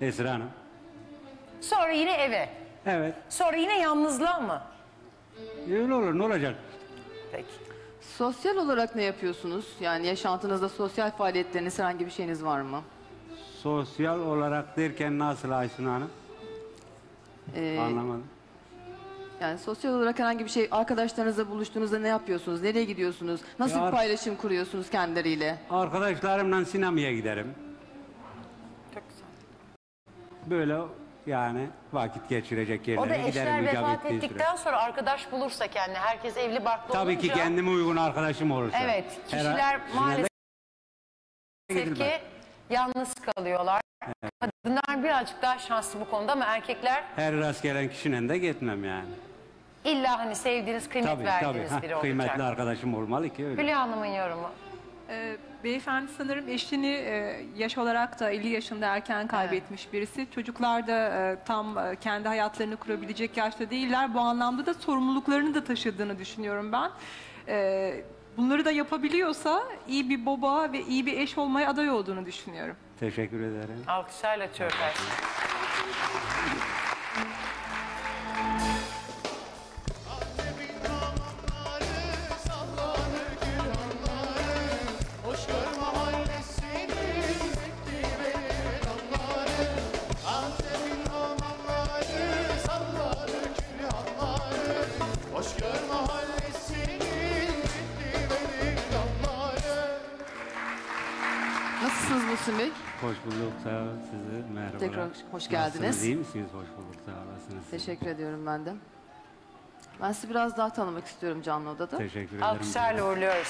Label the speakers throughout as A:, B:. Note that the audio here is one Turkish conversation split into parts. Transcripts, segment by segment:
A: Esra Hanım.
B: Sonra yine eve.
A: Evet.
B: Sonra yine yalnızlığa mı?
A: Öyle olur, ne olacak?
B: Peki.
C: Sosyal olarak ne yapıyorsunuz? Yani yaşantınızda sosyal faaliyetleriniz, herhangi bir şeyiniz var mı?
A: Sosyal olarak derken nasıl Aysun Hanım? Anlamadım.
C: Yani sosyal olarak herhangi bir şey, arkadaşlarınızla buluştuğunuzda ne yapıyorsunuz? Nereye gidiyorsunuz? Nasıl
A: Ya,
C: bir paylaşım kuruyorsunuz kendileriyle?
A: Arkadaşlarımla sinemaya giderim.
B: Çok güzel.
A: Böyle yani vakit geçirecek
B: O da
A: yerlere giderim.
B: eşler
A: icap
B: vefat
A: ettiği
B: ettikten sonra arkadaş bulursa kendine, herkes evli barklı
A: Tabii
B: olunca...
A: ki kendime uygun arkadaşım olursa.
B: Evet, kişiler maalesef ki yalnız kalıyorlar. Evet. Kadınlar birazcık daha şanslı bu konuda ama erkekler...
A: Her rast gelen kişinin de gitmem yani.
B: İlla hani sevdiğiniz, kıymet verdiğiniz biri olacak.
A: Kıymetli arkadaşım olmalı ki öyle.
B: Hülya Hanım'ın yorumu.
D: Beyefendi sanırım eşini yaş olarak da 50 yaşında erken kaybetmiş birisi. Çocuklar da tam kendi hayatlarını kurabilecek yaşta değiller. Bu anlamda da sorumluluklarını da taşıdığını düşünüyorum ben. Bunları da yapabiliyorsa iyi bir baba ve iyi bir eş olmaya aday olduğunu düşünüyorum.
A: Teşekkür ederim.
B: Alkışlarla çökersin.
C: Nasılsınız Muhsin Bey?
A: Hoş bulduk, sağ olun sizi. Merhabalar.
C: Tekrar hoş geldiniz.
A: Nasılsınız, iyi misiniz? Hoş bulduk, sağ olasınız.
C: Teşekkür ediyorum ben de. Ben sizi biraz daha tanımak istiyorum canlı odada.
A: Teşekkür ederim.
B: Alkışlarla uğurluyoruz.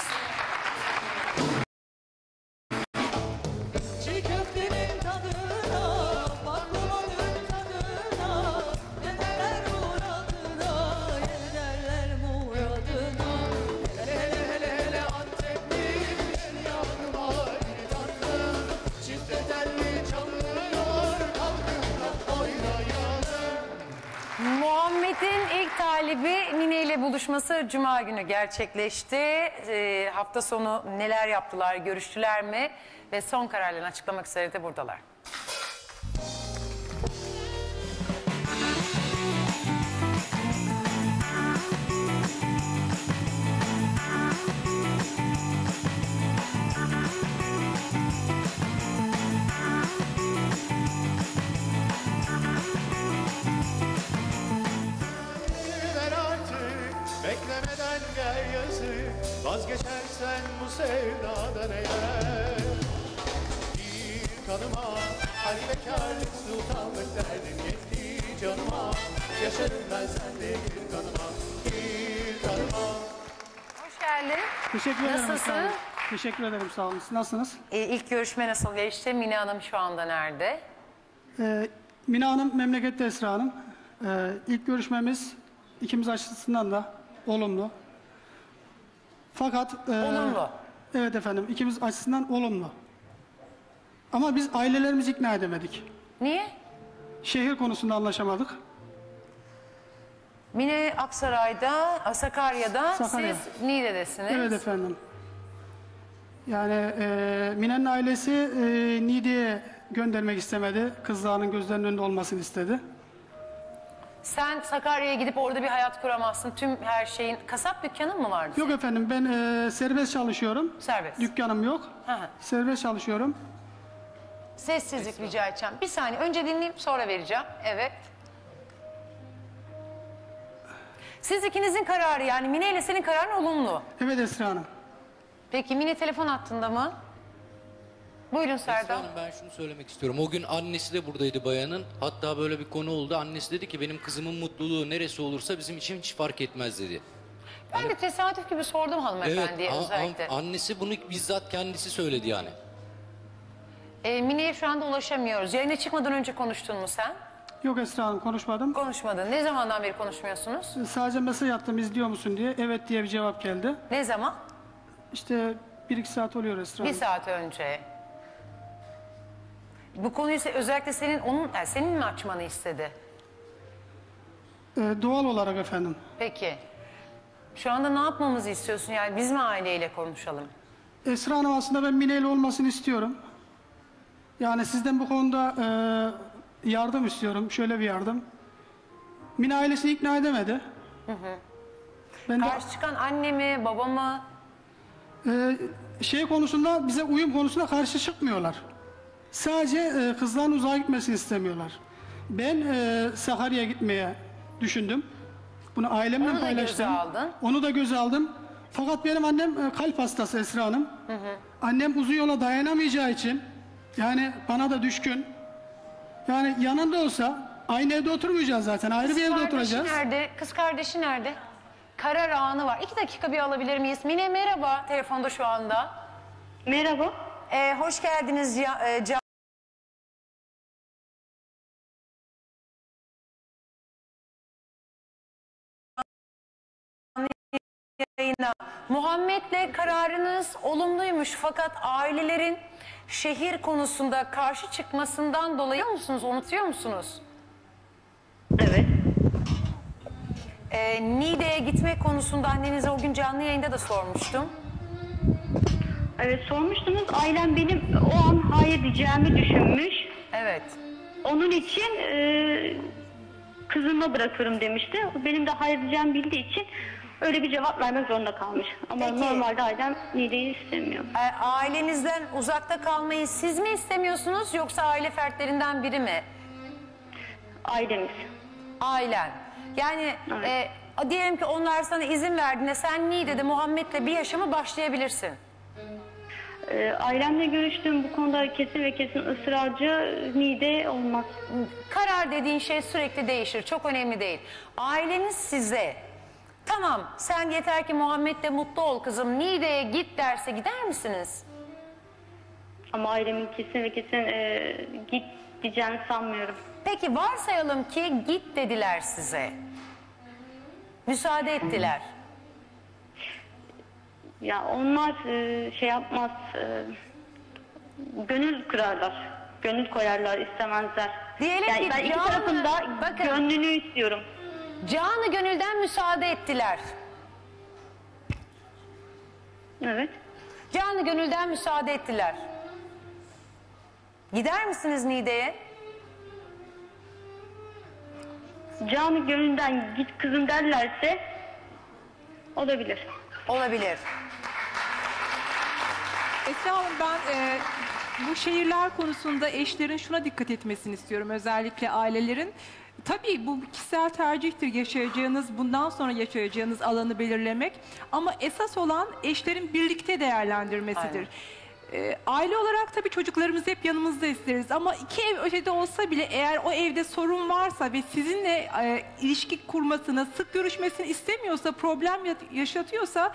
B: Muhammed'in ilk talibi Mine ile buluşması Cuma günü gerçekleşti. Hafta sonu neler yaptılar, görüştüler mi? Ve son kararlarını açıklamak üzere de buradalar.
E: Beklemeden gel yazık, vazgeçersen bu sevdadan eğer. Bir kanıma, hal bekarlık sultanlık derdin yetti canıma. Yaşarım ben sende bir kanıma, bir kanıma.
B: Hoş geldin.
F: Teşekkür ederim.
B: Nasılsın?
F: Teşekkür ederim, sağ olun. Siz nasılsınız?
B: İlk görüşme nasıl geçti? Mine Hanım şu anda nerede?
F: Mine Hanım memlekette, Esra Hanım. İlk görüşmemiz ikimiz açısından da olumlu. Fakat...
B: Olumlu.
F: Evet efendim, ikimiz açısından olumlu. Ama biz ailelerimizi ikna edemedik.
B: Niye?
F: Şehir konusunda anlaşamadık.
B: Mine Aksaray'da, Sakarya'da,
F: Sakarya.
B: siz Niğde'desiniz.
F: Evet efendim. Yani Mine'nin ailesi Niğde'ye göndermek istemedi. Kızlarının gözlerinin önünde olmasını istedi.
B: Sen Sakarya'ya gidip orada bir hayat kuramazsın. Tüm her şeyin... Kasap dükkanın mı vardı?
F: Yok efendim, ben serbest çalışıyorum.
B: Serbest.
F: Dükkanım yok.
B: Hı hı.
F: Serbest çalışıyorum.
B: Sessizlik rica edeceğim. Bir saniye önce dinleyeyim sonra vereceğim. Evet. Siz ikinizin kararı yani Mine ile senin kararın olumlu.
F: Evet Esra Hanım.
B: Peki Mine telefon hattında mı? Buyurun Serdar.
G: Hanım, ben şunu söylemek istiyorum. O gün annesi de buradaydı bayanın. Hatta böyle bir konu oldu. Annesi dedi ki benim kızımın mutluluğu neresi olursa bizim için hiç fark etmez dedi.
B: Ben de tesadüf gibi sordum hanımefendiye
G: Evet,
B: özellikle.
G: annesi bunu bizzat kendisi söyledi yani.
B: Mine'ye şu anda ulaşamıyoruz. Yayına çıkmadan önce konuştun mu sen?
F: Yok Esra Hanım, konuşmadım.
B: Konuşmadın. Ne zamandan beri konuşmuyorsunuz?
F: Sadece mesaj attım, izliyor musun diye. Evet diye bir cevap geldi.
B: Ne zaman?
F: İşte 1-2 saat oluyor Esra
B: Bir
F: Hanım.
B: saat önce. Bu konuyu özellikle senin mi açmanı istedi?
F: Doğal olarak efendim.
B: Peki. Şu anda ne yapmamızı istiyorsun? Yani biz mi aileyle konuşalım?
F: Esra Hanım, aslında ben Mine ile olmasını istiyorum. Yani sizden bu konuda yardım istiyorum. Şöyle bir yardım. Mine ailesini ikna edemedi. Ben de
B: Karşı çıkan anne mi, baba mı?
F: şey konusunda, bize uyum konusunda karşı çıkmıyorlar. Sadece kızların uzağa gitmesini istemiyorlar. Ben Sakarya'ya gitmeye düşündüm. Bunu ailemle
B: Onu da göze
F: paylaştım.
B: aldın.
F: Onu da göze aldım. Fakat benim annem kalp hastası Esra Hanım. Annem uzun yola dayanamayacağı için, yani bana da düşkün. Yani yanında olsa aynı evde oturmayacağız zaten. Ayrı bir evde oturacağız.
B: Nerede? Kız kardeşi nerede? Karar anı var. 2 dakika bir alabilir miyiz? Mine merhaba. Telefonda şu anda.
H: Merhaba.
B: Hoş geldiniz. Yayına. Muhammed'le kararınız olumluymuş fakat ailelerin şehir konusunda karşı çıkmasından dolayı musunuz? Unutuyor musunuz?
H: Evet.
B: Niğde'ye gitmek konusunda annenize o gün canlı yayında da sormuştum.
H: Evet sormuştunuz. Ailem benim o an hayır diyeceğimi düşünmüş.
B: Evet.
H: Onun için kızıma bırakırım demişti. Benim de hayır diyeceğimi bildiği için öyle bir cevap vermek zorunda kalmış. Ama
B: Peki.
H: normalde ailem Niğde'yi istemiyor.
B: Ailenizden uzakta kalmayı siz mi istemiyorsunuz yoksa aile fertlerinden biri mi?
H: Ailemiz.
B: Ailen. Yani
H: Evet.
B: diyelim ki onlar sana izin verdiğinde sen Niğde'de Muhammed'le bir yaşama başlayabilirsin.
H: Ailemle görüştüğüm bu konuda kesin ve kesin ısrarcı. Niğde olmaz.
B: Karar dediğin şey sürekli değişir. Çok önemli değil. Aileniz size tamam sen yeter ki Muhammed'le mutlu ol kızım Niğde'ye git derse gider misiniz?
H: Ama ailemin kesin ve kesin git diyeceğini sanmıyorum.
B: Peki varsayalım ki git dediler size. Müsaade ettiler.
H: Ya onlar şey yapmaz. Gönül kırarlar. Gönül koyarlar, istemezler.
B: Diyelim
H: yani
B: ki
H: ben iki
B: canı-
H: tarafın da
B: bakın.
H: gönlünü istiyorum.
B: Canı gönülden müsaade ettiler.
H: Evet.
B: Canı gönülden müsaade ettiler. Gider misiniz Niğde'ye?
H: Canı gönülden git kızım derlerse olabilir.
B: Olabilir.
D: Esra Hanım ben bu şehirler konusunda eşlerin şuna dikkat etmesini istiyorum. Özellikle ailelerin. Tabii bu kişisel tercihtir yaşayacağınız, bundan sonra yaşayacağınız alanı belirlemek. Ama esas olan eşlerin birlikte değerlendirmesidir. Aile olarak tabii çocuklarımızı hep yanımızda isteriz ama 2 ev ötede olsa bile eğer o evde sorun varsa ve sizinle ilişki kurmasını, sık görüşmesini istemiyorsa, problem yaşatıyorsa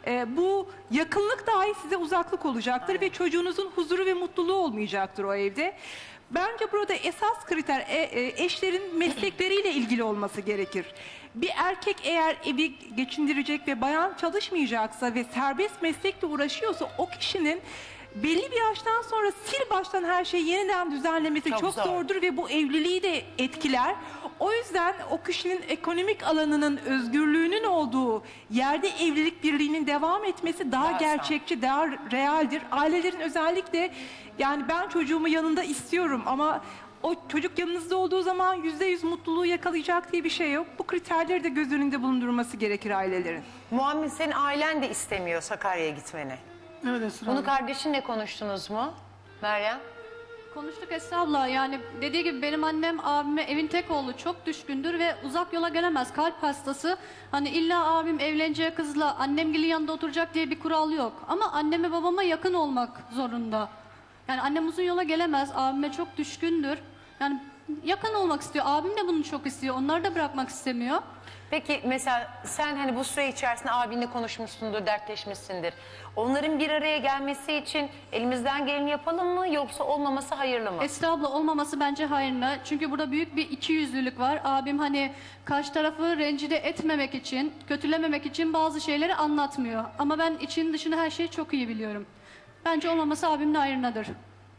D: bu yakınlık dahi size uzaklık olacaktır ve çocuğunuzun huzuru ve mutluluğu olmayacaktır o evde. Bence burada esas kriter eşlerin meslekleriyle ilgili olması gerekir. Bir erkek eğer evi geçindirecek ve bayan çalışmayacaksa ve serbest meslekle uğraşıyorsa o kişinin belli bir yaştan sonra sil baştan her şeyi yeniden düzenlemesi
B: Çok
D: çok
B: zor.
D: zordur ve bu evliliği de etkiler. O yüzden o kişinin ekonomik alanının özgürlüğünün olduğu yerde evlilik birliğinin devam etmesi daha
B: Daha
D: gerçekçi, daha realdir. Ailelerin özellikle yani ben çocuğumu yanında istiyorum ama o çocuk yanınızda olduğu zaman %100 mutluluğu yakalayacak diye bir şey yok. Bu kriterleri de göz önünde bulundurması gerekir ailelerin.
B: Muhammed senin ailen de istemiyor Sakarya'ya gitmeni.
F: Evet Esra
B: Bunu
F: Hanım.
B: kardeşinle konuştunuz mu? Meryem?
I: Konuştuk Esra abla, yani dediği gibi benim annem abime evin tek oğlu, çok düşkündür ve uzak yola gelemez, kalp hastası. Hani illa abim evleneceği kızla annemgilin yanında oturacak diye bir kural yok. Ama anneme babama yakın olmak zorunda. Yani annem uzun yola gelemez, abime çok düşkündür. Yani yakın olmak istiyor, abim de bunu çok istiyor, onları da bırakmak istemiyor.
B: Peki mesela sen hani bu süre içerisinde abinle konuşmuşsundur, dertleşmişsindir. Onların bir araya gelmesi için elimizden geleni yapalım mı yoksa olmaması hayırlı mı?
I: Esra abla olmaması bence hayırlı. Çünkü burada büyük bir ikiyüzlülük var. Abim hani karşı tarafı rencide etmemek için, kötülememek için bazı şeyleri anlatmıyor. Ama ben için dışını her şeyi çok iyi biliyorum. Bence olmaması abimin hayrınadır.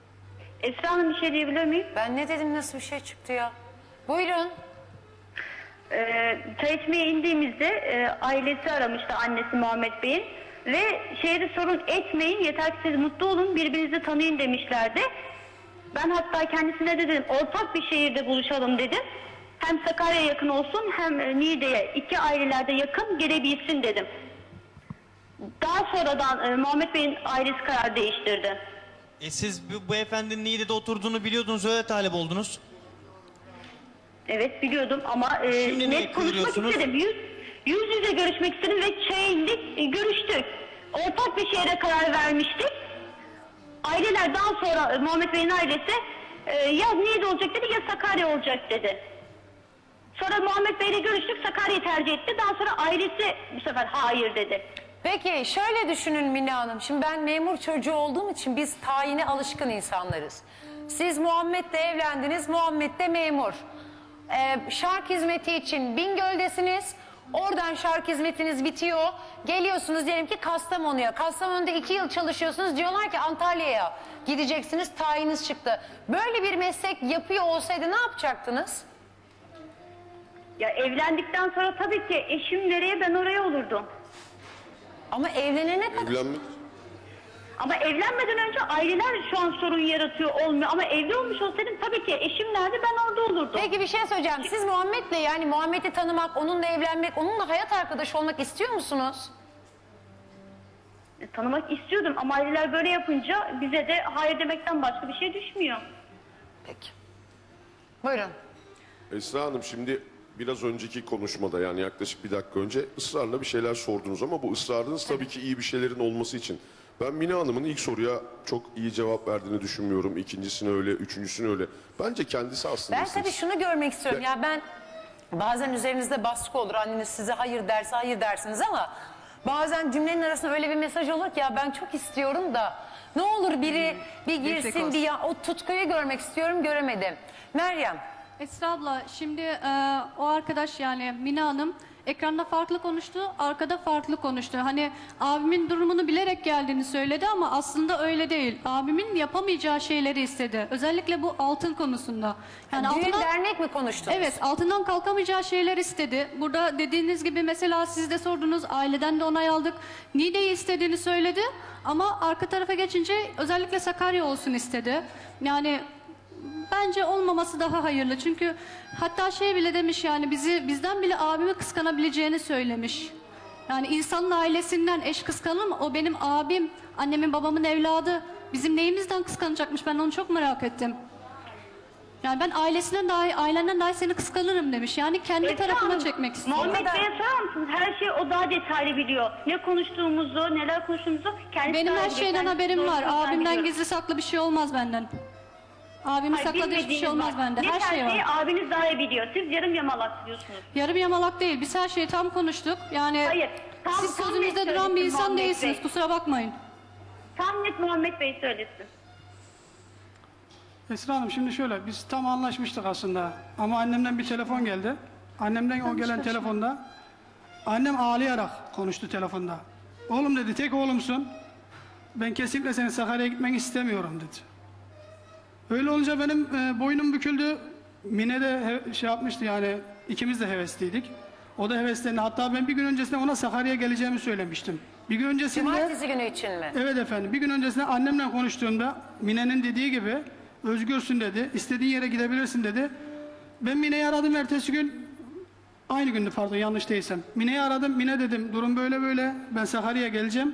H: Esra Hanım bir şey diyebilir miyim?
B: Ben ne dedim, nasıl bir şey çıktı ya? Buyurun.
H: Çay içmeye indiğimizde ailesi aramıştı, annesi Muhammed Bey'in. Ve şehri sorun etmeyin, yeter ki siz mutlu olun, birbirinizi tanıyın demişlerdi. Ben hatta kendisine de dedim ortak bir şehirde buluşalım dedim. Hem Sakarya'ya yakın olsun hem Niğde'ye, iki ailelerde yakın gelebilsin dedim. Daha sonradan Muhammed Bey'in ailesi karar değiştirdi.
J: Siz bu beyefendinin Niğde'de oturduğunu biliyordunuz, öyle talep oldunuz.
H: Evet biliyordum ama
J: Şimdi niye
H: net konuşmak
J: kıvırıyorsunuz?
H: istedim. Yüz yüze görüşmek istedim ve çeyinlik görüştük. Ortak bir şehre karar vermiştik. Aileler daha sonra Muhammed Bey'in ailesi ya Niğde olacak dedi ya Sakarya olacak dedi. Sonra Muhammed Bey'le görüştük, Sakarya'yı tercih etti. Daha sonra ailesi bu sefer hayır dedi.
B: Peki şöyle düşünün Mine Hanım. Şimdi ben memur çocuğu olduğum için biz tayine alışkın insanlarız. Siz Muhammed'le evlendiniz, Muhammed de memur. Şark hizmeti için Bingöl'desiniz. Oradan şark hizmetiniz bitiyor. Geliyorsunuz diyelim ki Kastamonu'ya. Kastamonu'da 2 yıl çalışıyorsunuz. Diyorlar ki Antalya'ya gideceksiniz, tayiniz çıktı. Böyle bir meslek yapıyor olsaydı ne yapacaktınız?
H: Ya evlendikten sonra tabii ki eşim nereye ben oraya olurdum.
B: Ama evlenene kadar...
H: Ama evlenmeden önce aileler şu an sorun yaratıyor olmuyor. Ama evli olmuş olsaydım tabii ki eşim nerede ben orada olurdum.
B: Peki bir şey söyleyeceğim. Siz Muhammed'le yani Muhammed'i tanımak, onunla evlenmek, onunla hayat arkadaşı olmak istiyor musunuz?
H: Tanımak istiyordum ama aileler böyle yapınca bize de hayır demekten başka bir şey düşmüyor.
B: Peki. Buyurun.
K: Esra Hanım, şimdi biraz önceki konuşmada, yani yaklaşık bir dakika önce ısrarla bir şeyler sordunuz ama bu ısrarınız tabii ki iyi bir şeylerin olması için. Ben Mine Hanım'ın ilk soruya çok iyi cevap verdiğini düşünmüyorum. İkincisine öyle, üçüncüsüne öyle. Bence kendisi aslında...
B: Ben tabii şunu görmek istiyorum. Ya ben bazen üzerinizde baskı olur. Anneniz size hayır derse hayır dersiniz ama bazen cümlenin arasında öyle bir mesaj olur ki ya ben çok istiyorum da ne olur biri bir girsin bir ya, o tutkuyu görmek istiyorum, göremedim. Meryem.
I: Esra abla şimdi o arkadaş yani Mine Hanım ekranda farklı konuştu, arkada farklı konuştu. Hani abimin durumunu bilerek geldiğini söyledi ama aslında öyle değil. Abimin yapamayacağı şeyleri istedi. Özellikle bu altın konusunda. Yani
B: Düğün dernek mi konuştunuz?
I: Evet, altından kalkamayacağı şeyler istedi. Burada dediğiniz gibi mesela siz de sordunuz, aileden de onay aldık. Niğde'yi istediğini söyledi ama arka tarafa geçince özellikle Sakarya olsun istedi. Yani bence olmaması daha hayırlı. Çünkü hatta şey bile demiş yani bizden bile abimi kıskanabileceğini söylemiş. Yani insanın ailesinden eş kıskanır mı? O benim abim, annemin babamın evladı. Bizim neyimizden kıskanacakmış? Ben onu çok merak ettim. Yani ben ailenden dahi seni kıskanırım demiş. Yani kendi tarafına çekmek istiyor.
H: Muhammed Bey'e sorar mısınız? Her şeyi o daha detaylı biliyor. Ne konuştuğumuzu, neler konuştuğumuzu kendisi
I: Benim
H: daha
I: her
H: iyi
I: şeyden
H: biliyor.
I: haberim var.
H: Doğrusunu
I: Abimden
H: biliyor.
I: gizli saklı bir şey olmaz benden. Abimin
H: Hayır,
I: sakladığı hiçbir şey
H: bilmediğiniz
I: olmaz
H: var.
I: bende.
H: Ne
I: Her şey
H: şeyi
I: var.
H: abiniz daha iyi biliyor. Siz yarım yamalak diyorsunuz.
I: Yarım yamalak değil. Biz her şeyi tam konuştuk. Yani
H: Hayır,
I: siz
H: tam
I: sözünüzde
H: net
I: duran bir
H: söylesin
I: insan
H: Muhammed
I: değilsiniz.
H: Bey.
I: Kusura bakmayın.
H: Tam net Muhammed Bey söylesin.
F: Esra Hanım, şimdi şöyle, biz tam anlaşmıştık aslında ama annemden bir telefon geldi. Annemden o gelen telefonda annem ağlayarak konuştu telefonda. Oğlum dedi, tek oğlumsun. Ben kesinlikle senin Sakarya'ya gitmeni istemiyorum dedi. Öyle olunca benim boynum büküldü. Mine de şey yapmıştı, yani ikimiz de hevesliydik. O da heveslendi. Hatta ben bir gün öncesinde ona Sakarya'ya geleceğimi söylemiştim. Bir gün öncesinde...
B: Cumartesi günü için mi?
F: Evet efendim. Bir gün öncesinde annemle konuştuğumda Mine'nin dediği gibi özgürsün dedi. İstediğin yere gidebilirsin dedi. Ben Mine'yi aradım ertesi gün. Aynı gündü pardon, yanlış değilsem. Mine'yi aradım. Mine dedim, durum böyle böyle. Ben Sakarya'ya geleceğim.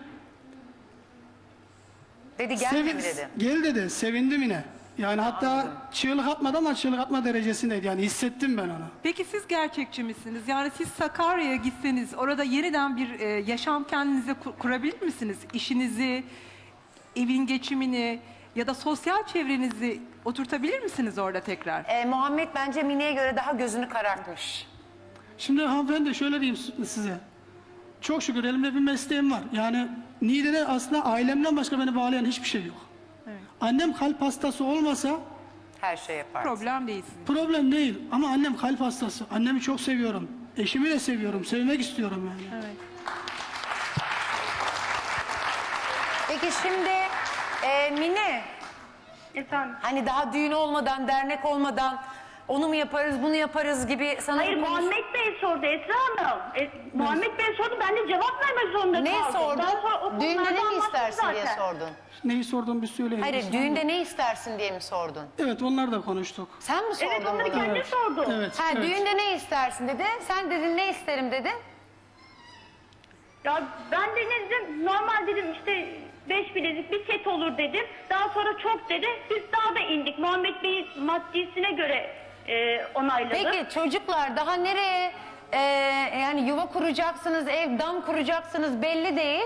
B: Dedi gelme mi dedi?
F: Gel dedi. Sevindi Mine. Yani hatta çığlık atmadı ama çığlık atma derecesindeydi. Yani hissettim ben onu.
D: Peki siz gerçekçi misiniz? Yani siz Sakarya'ya gitseniz orada yeniden bir yaşam kendinize kurabilir misiniz? İşinizi, evin geçimini ya da sosyal çevrenizi oturtabilir misiniz orada tekrar?
B: Muhammed bence Mine'ye göre daha gözünü karartmış.
F: Şimdi hanımefendi şöyle diyeyim size. Çok şükür elimde bir mesleğim var. Yani Niğde'de aslında ailemden başka beni bağlayan hiçbir şey yok.
D: Evet.
F: Annem kalp hastası olmasa
B: Her şey yapar.
D: Problem değilsiniz.
F: problem değil. Ama annem kalp hastası. Annemi çok seviyorum. Eşimi de seviyorum. Sevmek istiyorum yani.
D: Evet.
B: Peki şimdi Mine,
H: Efendim?
B: hani daha düğün olmadan, dernek olmadan onu mu yaparız, bunu yaparız gibi sana
H: Hayır, Muhammed Bey sordu Esra Hanım. Muhammed Bey sordu, ben de cevap vermek zorunda
B: Ne
H: kaldım.
B: sordun?
H: Daha sonra o
B: Düğünde
H: konularda
B: ne
H: anlattım
B: istersin diye
H: zaten.
B: sordun.
F: Neyi sordum bir söyleyin.
B: Hayır,
F: Esra
B: düğünde
F: Hanım.
B: ne istersin diye mi sordun?
F: Evet, onlar da konuştuk.
B: Sen mi sordun
H: Evet, onları
B: bunu?
H: kendi sordu.
F: Evet,
B: Ha,
F: evet.
B: düğünde ne istersin dedi. Sen dedin ne isterim dedin.
H: Ya ben de ne dedim, normal dedim işte 5 bilezik bir set olur dedim. Daha sonra çok dedi, biz daha da indik. Muhammed Bey'in maddisine göre onayladı.
B: Peki çocuklar daha nereye yani yuva kuracaksınız, ev, dam kuracaksınız belli değil.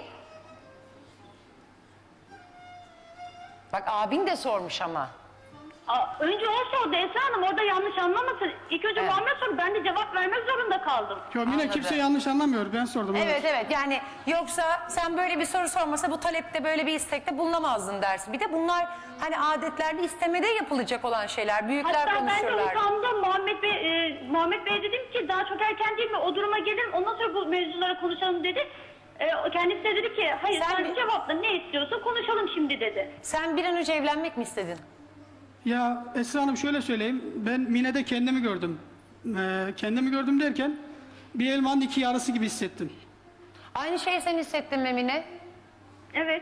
B: Bak abin de sormuş ama.
H: Önce o sordu Esra Hanım, orada yanlış anlamasın. İlk önce
B: Evet.
H: Muhammed sordu, ben de cevap vermek zorunda kaldım.
F: Yok, yine
B: Anladım.
F: kimse yanlış anlamıyor. Ben sordum.
B: Evet yani yoksa sen böyle bir soru sormasa bu talepte böyle bir istekte bulunamazdın dersin. Bir de bunlar hani adetlerde istemede yapılacak olan şeyler. Büyükler
H: Hatta ben de
B: konuşurlar.
H: utandım. Muhammed Bey dedim ki daha çok erken değil mi? O duruma gelin, ondan sonra bu mevzulara konuşalım dedi. Kendisi de dedi ki hayır sen cevapla, ne istiyorsun konuşalım şimdi dedi.
B: Sen bir an önce evlenmek mi istedin?
F: Ya Esra Hanım, şöyle söyleyeyim. Ben Mine'de kendimi gördüm. Kendimi gördüm derken bir elmanın iki yarısı gibi hissettim.
B: Aynı şeyi sen hissettin mi Mine?
H: Evet.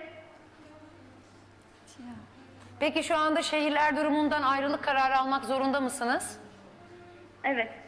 B: Peki şu anda şehirler durumundan ayrılık kararı almak zorunda mısınız?
H: Evet.